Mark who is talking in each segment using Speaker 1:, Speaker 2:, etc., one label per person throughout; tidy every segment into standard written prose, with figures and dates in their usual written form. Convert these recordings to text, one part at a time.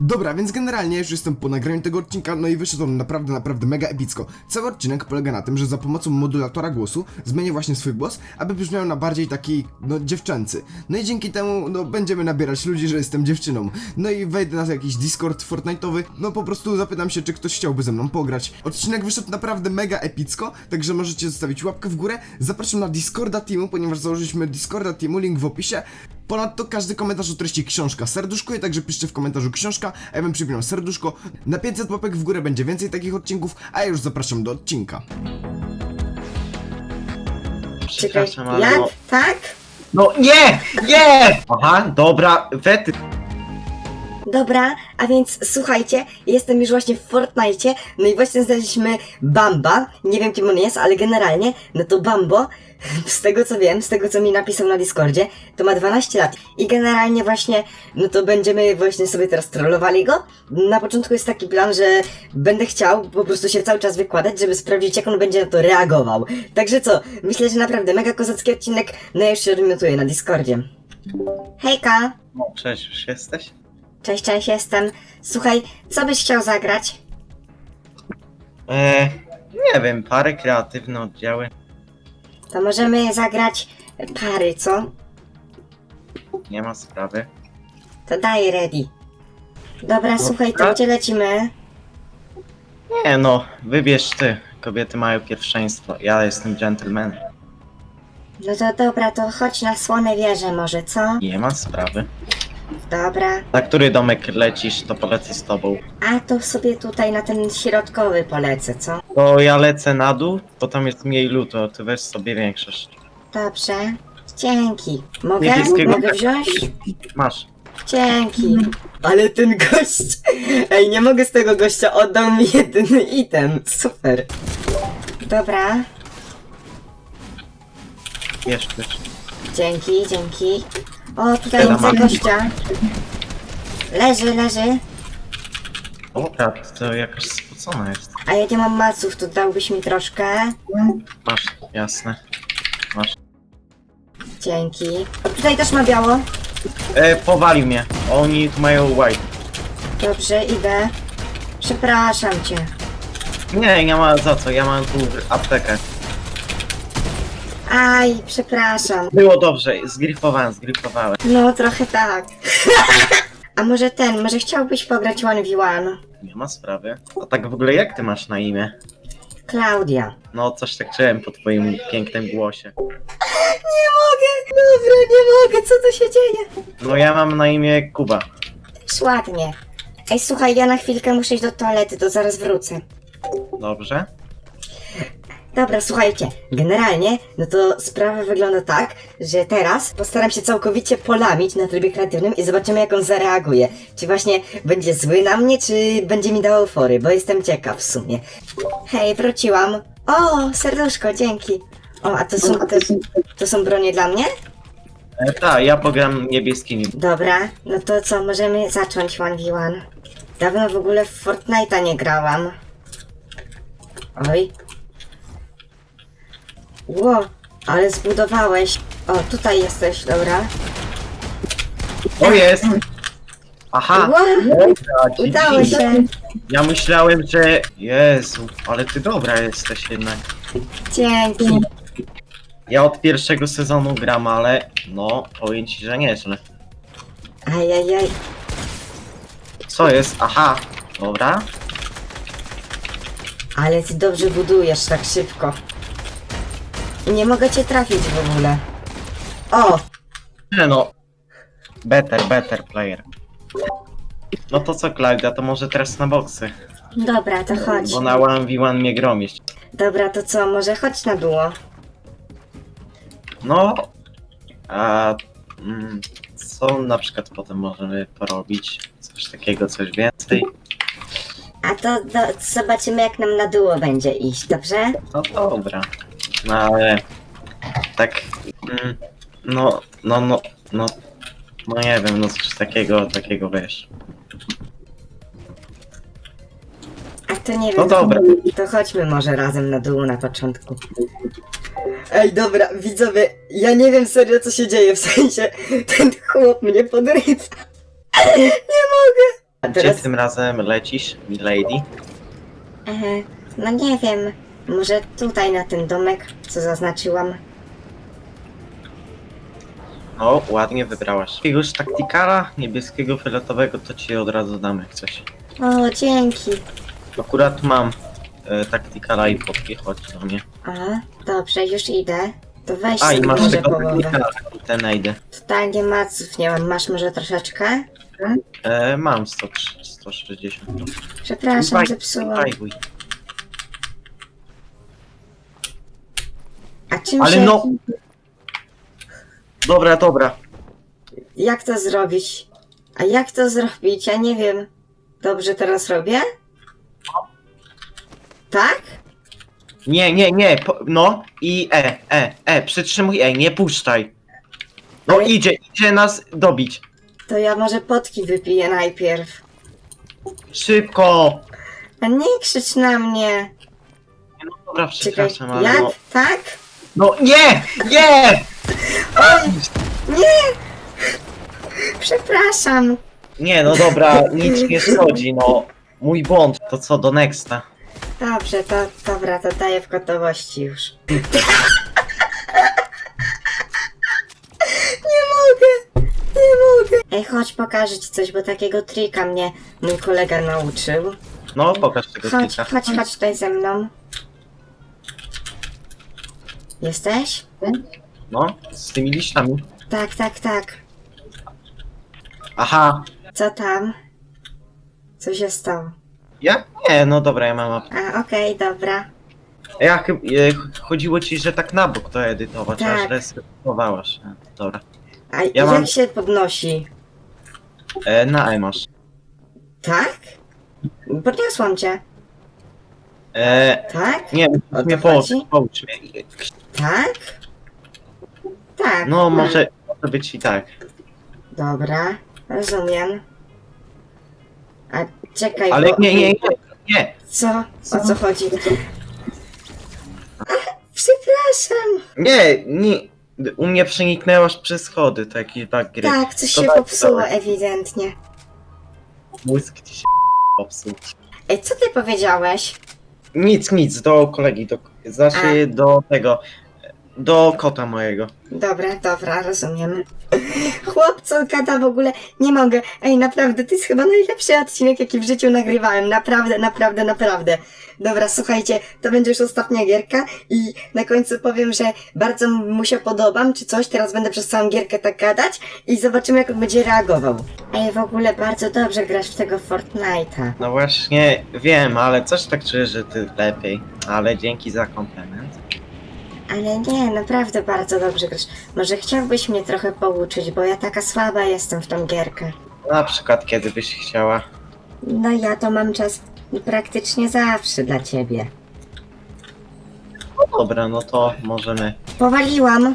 Speaker 1: Dobra, więc generalnie już jestem po nagraniu tego odcinka, no i wyszedł on naprawdę mega epicko. Cały odcinek polega na tym, że za pomocą modulatora głosu zmienię właśnie swój głos, aby brzmiał na bardziej taki, no, dziewczęcy. No i dzięki temu, no, będziemy nabierać ludzi, że jestem dziewczyną. No i wejdę na jakiś Discord Fortnite'owy, no po prostu zapytam się, czy ktoś chciałby ze mną pograć. Odcinek wyszedł naprawdę mega epicko, także możecie zostawić łapkę w górę. Zapraszam na Discorda Teamu, ponieważ założyliśmy Discorda Teamu, link w opisie. Ponadto każdy komentarz o treści książka serduszkuje, także piszcie w komentarzu książka, a ja bym przypinał serduszko. Na 500 łapek w górę będzie więcej takich odcinków, a ja już zapraszam do odcinka.
Speaker 2: Przepraszam, ale
Speaker 3: jak?
Speaker 2: no...
Speaker 3: Tak?
Speaker 2: No nie! Nie! Aha, dobra, wety.
Speaker 3: Dobra, a więc słuchajcie, jestem już właśnie w Fortnite, no i właśnie znaleźliśmy Bamba, nie wiem kim on jest, ale generalnie, no to Bambo, z tego co wiem, z tego co mi napisał na Discordzie, to ma 12 lat i generalnie właśnie, no to będziemy właśnie sobie teraz trollowali go. Na początku jest taki plan, że będę chciał po prostu się cały czas wykładać, żeby sprawdzić jak on będzie na to reagował. Także co, myślę, że naprawdę mega kozacki odcinek, no ja już się odmiotuję na Discordzie. Hejka!
Speaker 2: No, cześć, już jesteś?
Speaker 3: Cześć, jestem. Słuchaj, co byś chciał zagrać?
Speaker 2: Nie wiem, parę kreatywne oddziały.
Speaker 3: To możemy zagrać pary, co?
Speaker 2: Nie ma sprawy.
Speaker 3: To daj ready. Dobra, słuchaj, to
Speaker 2: tak.
Speaker 3: gdzie lecimy?
Speaker 2: Nie no, wybierz ty. Kobiety mają pierwszeństwo. Ja jestem gentleman.
Speaker 3: No to dobra, to chodź na Słone Wieże może, co?
Speaker 2: Nie ma sprawy.
Speaker 3: Dobra.
Speaker 2: Na który domek lecisz, to polecę z tobą.
Speaker 3: A to sobie tutaj na ten środkowy polecę, co?
Speaker 2: To ja lecę na dół, bo tam jest mniej lutu, a ty weź sobie większość.
Speaker 3: Dobrze. Dzięki. Mogę?
Speaker 2: Niebieskiego.
Speaker 3: Mogę wziąć?
Speaker 2: Masz.
Speaker 3: Dzięki. Ale ten gość... Ej, nie mogę z tego gościa, oddał mi jedyny item. Super. Dobra.
Speaker 2: Wiesz.
Speaker 3: Dzięki. O, tutaj
Speaker 2: Siadam,
Speaker 3: widzę
Speaker 2: mam.
Speaker 3: gościa. Leży.
Speaker 2: Dobra, to jakaś spocona jest.
Speaker 3: A ja nie mam maców, to dałbyś mi troszkę?
Speaker 2: Masz, jasne. Masz.
Speaker 3: Dzięki. O, tutaj też ma biało.
Speaker 2: Powali mnie. Oni tu mają white.
Speaker 3: Dobrze, idę. Przepraszam cię.
Speaker 2: Nie, nie ma za co, ja mam tu aptekę.
Speaker 3: Aj, przepraszam.
Speaker 2: Było dobrze, zgrifowałem.
Speaker 3: No, trochę tak. A może chciałbyś pograć 1v1?
Speaker 2: Nie ma sprawy. A tak w ogóle jak ty masz na imię?
Speaker 3: Klaudia.
Speaker 2: No coś tak czułem po twoim pięknym głosie.
Speaker 3: Nie mogę, dobra, nie mogę, co tu się dzieje?
Speaker 2: No ja mam na imię Kuba.
Speaker 3: Też ładnie. Ej, słuchaj, ja na chwilkę muszę iść do toalety, to zaraz wrócę.
Speaker 2: Dobrze?
Speaker 3: Dobra, słuchajcie, generalnie, no to sprawa wygląda tak, że teraz postaram się całkowicie polamić na trybie kreatywnym i zobaczymy jak on zareaguje. Czy właśnie będzie zły na mnie, czy będzie mi dawał fory, bo jestem ciekaw w sumie. Hej, wróciłam. O, serduszko, dzięki. O, a to są bronie dla mnie?
Speaker 2: Tak, ja pogram niebieskimi.
Speaker 3: Dobra, no to co, możemy zacząć 1v1. Dawno w ogóle w Fortnite'a nie grałam. Oj. Ło, ale zbudowałeś. O, tutaj jesteś, dobra.
Speaker 2: O jest! Aha!
Speaker 3: Ło,
Speaker 2: Dobra,
Speaker 3: udało
Speaker 2: GG.
Speaker 3: się.
Speaker 2: Ja myślałem, że... Jezu, ale ty dobra jesteś jednak.
Speaker 3: Dzięki.
Speaker 2: Ja od pierwszego sezonu gram, ale... No, powiem ci, że nieźle.
Speaker 3: Ajajaj.
Speaker 2: Co jest? Aha! Dobra.
Speaker 3: Ale ty dobrze budujesz tak szybko. I nie mogę cię trafić w ogóle. O,
Speaker 2: Nie no. Better player. No to co, Klaudia, to może teraz na boksy.
Speaker 3: dobra, to chodź.
Speaker 2: Bo na 1v1 mnie gromisz.
Speaker 3: Dobra, to co, może chodź na duo.
Speaker 2: No. A... Co na przykład potem możemy porobić? Coś takiego, coś więcej?
Speaker 3: A to zobaczymy jak nam na duo będzie iść, dobrze?
Speaker 2: No dobra. No ale... Tak... No nie wiem, no coś takiego wiesz.
Speaker 3: A to nie
Speaker 2: No
Speaker 3: wiem,
Speaker 2: dobra.
Speaker 3: to chodźmy może razem na dół na początku. Ej, dobra, widzowie, ja nie wiem serio co się dzieje, w sensie ten chłop mnie podrywa. Nie mogę. A
Speaker 2: Gdzie
Speaker 3: teraz...
Speaker 2: tym razem lecisz, milady?
Speaker 3: No nie wiem, może tutaj na ten domek, co zaznaczyłam.
Speaker 2: O, ładnie wybrałaś. Jakiegoś taktikala niebieskiego, fioletowego to ci od razu damy jak coś.
Speaker 3: O, dzięki.
Speaker 2: Akurat mam taktikala i potki, chodź do mnie.
Speaker 3: A, dobrze, już idę. To weź
Speaker 2: A i
Speaker 3: sobie
Speaker 2: masz
Speaker 3: może
Speaker 2: tego
Speaker 3: połowę.
Speaker 2: taktikala, ten najdę.
Speaker 3: Totalnie maców nie mam, masz może troszeczkę?
Speaker 2: Mam 160.
Speaker 3: Przepraszam, zepsułam.
Speaker 2: Zajwuj.
Speaker 3: A czym
Speaker 2: Ale
Speaker 3: się...
Speaker 2: no... Dobra, dobra.
Speaker 3: Jak to zrobić? A jak to zrobić? Ja nie wiem. Dobrze teraz robię? Tak?
Speaker 2: Nie, no i przytrzymuj nie puszczaj. No
Speaker 3: Ale-
Speaker 2: idzie nas dobić.
Speaker 3: To ja może potki wypiję najpierw.
Speaker 2: Szybko!
Speaker 3: A nie krzycz na mnie.
Speaker 2: No dobra,
Speaker 3: Czekaj,
Speaker 2: przepraszam, ale
Speaker 3: jak?
Speaker 2: no...
Speaker 3: Tak?
Speaker 2: No nie! Nie!
Speaker 3: Oj! Nie! Przepraszam.
Speaker 2: Nie, no dobra, nic nie szkodzi, no. Mój błąd, to co, do nexta.
Speaker 3: Dobrze, to dobra, to daję w gotowości już. Nie mogę! Nie mogę! Ej, chodź pokażę ci coś, bo takiego trika mnie mój kolega nauczył.
Speaker 2: No, pokaż tego
Speaker 3: Chodź,
Speaker 2: klika.
Speaker 3: chodź tutaj ze mną. Jesteś?
Speaker 2: No, z tymi liśćami.
Speaker 3: Tak.
Speaker 2: Aha,
Speaker 3: Co tam? Co się stało?
Speaker 2: ja? Nie, no dobra, ja mam...
Speaker 3: A, okej, dobra.
Speaker 2: Ja chyba... chodziło ci, że tak na bok to edytować,
Speaker 3: Tak.
Speaker 2: aż resetowałaś. Dobra.
Speaker 3: A
Speaker 2: Ja
Speaker 3: jak
Speaker 2: mam-
Speaker 3: się podnosi?
Speaker 2: Na masz.
Speaker 3: Tak? Podniosłam cię. Tak?
Speaker 2: Nie,
Speaker 3: O to
Speaker 2: mnie
Speaker 3: chodzi?
Speaker 2: poucz mnie.
Speaker 3: Tak? Tak.
Speaker 2: No, może być i tak.
Speaker 3: Dobra, rozumiem. A czekaj,
Speaker 2: Ale
Speaker 3: bo...
Speaker 2: nie.
Speaker 3: Co? O co chodzi? Ach, przepraszam.
Speaker 2: Nie. U mnie przeniknęłaś przez schody, to jakiś bug gry.
Speaker 3: Tak, coś
Speaker 2: To
Speaker 3: się
Speaker 2: daj,
Speaker 3: popsuło
Speaker 2: dawaj.
Speaker 3: ewidentnie.
Speaker 2: Mózg ci się popsuł.
Speaker 3: Ej, co ty powiedziałeś?
Speaker 2: Nic, do kolegi, znaczy do tego, do kota mojego.
Speaker 3: Dobra, rozumiem. Chłop, co gada w ogóle, nie mogę. Ej, naprawdę, to jest chyba najlepszy odcinek, jaki w życiu nagrywałem. Naprawdę. Dobra, słuchajcie, to będzie już ostatnia gierka i na końcu powiem, że bardzo mu się podobam, czy coś. Teraz będę przez całą gierkę tak gadać i zobaczymy, jak on będzie reagował. Ej, w ogóle bardzo dobrze grasz w tego Fortnite'a.
Speaker 2: No właśnie, wiem, ale coś tak czuję, że ty lepiej. Ale dzięki za komplement.
Speaker 3: Ale nie, naprawdę bardzo dobrze grasz. Może chciałbyś mnie trochę pouczyć, bo ja taka słaba jestem w tą gierkę.
Speaker 2: Na przykład kiedy byś chciała.
Speaker 3: No ja to mam czas praktycznie zawsze dla ciebie.
Speaker 2: No dobra, no to możemy.
Speaker 3: Powaliłam.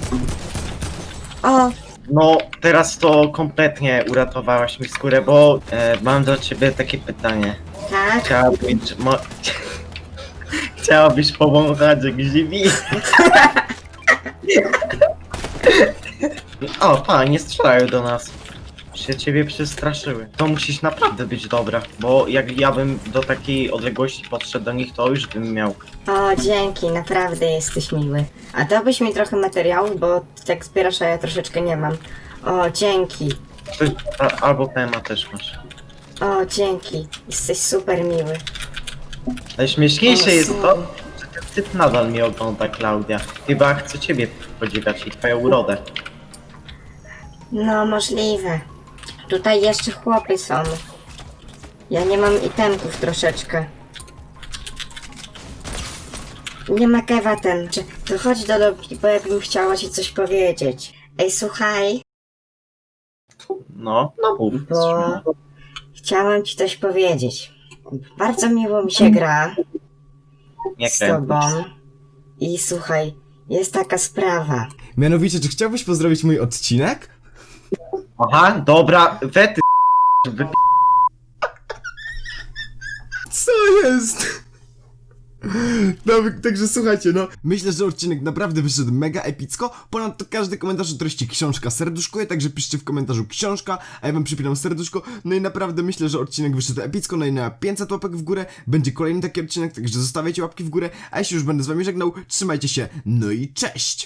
Speaker 3: O,
Speaker 2: No, teraz to kompletnie uratowałaś mi skórę, bo mam do ciebie takie pytanie.
Speaker 3: tak.
Speaker 2: Chciałabyś powąchać grzybi? O, nie strzelają do nas. Się ciebie przestraszyły. To musisz naprawdę być dobra, bo jak ja bym do takiej odległości podszedł do nich, to już bym miał.
Speaker 3: O, dzięki, naprawdę jesteś miły. A dałbyś mi trochę materiału, bo tak zbierasz, a ja troszeczkę nie mam. O, dzięki.
Speaker 2: Albo PMA też masz.
Speaker 3: O, dzięki. Jesteś super miły.
Speaker 2: Najśmieszniejsze
Speaker 3: O,
Speaker 2: jest
Speaker 3: sorry.
Speaker 2: to, że ten typ nadal mnie ogląda, Klaudia. Chyba chce ciebie podziwiać i twoją urodę.
Speaker 3: No, możliwe. Tutaj jeszcze chłopy są. Ja nie mam itemków troszeczkę. Nie ma kewa ten. To chodź do lobby, bo ja bym chciała ci coś powiedzieć. Ej, słuchaj,
Speaker 2: No mów.
Speaker 3: bo chciałam ci coś powiedzieć. Bardzo miło mi się gra
Speaker 2: Nie
Speaker 3: z
Speaker 2: krępuj.
Speaker 3: tobą. I słuchaj, jest taka sprawa.
Speaker 1: Mianowicie, czy chciałbyś pozdrowić mój odcinek?
Speaker 2: Aha, dobra, wety
Speaker 1: Co jest? No, także słuchajcie, no, myślę, że odcinek naprawdę wyszedł mega epicko. Ponadto każdy komentarz o treści książka serduszkuje, także piszcie w komentarzu książka, a ja wam przypinam serduszko. No i naprawdę myślę, że odcinek wyszedł epicko, no i na 500 łapek w górę będzie kolejny taki odcinek, także zostawiajcie łapki w górę, a jeśli już będę z wami żegnał, trzymajcie się, no i cześć!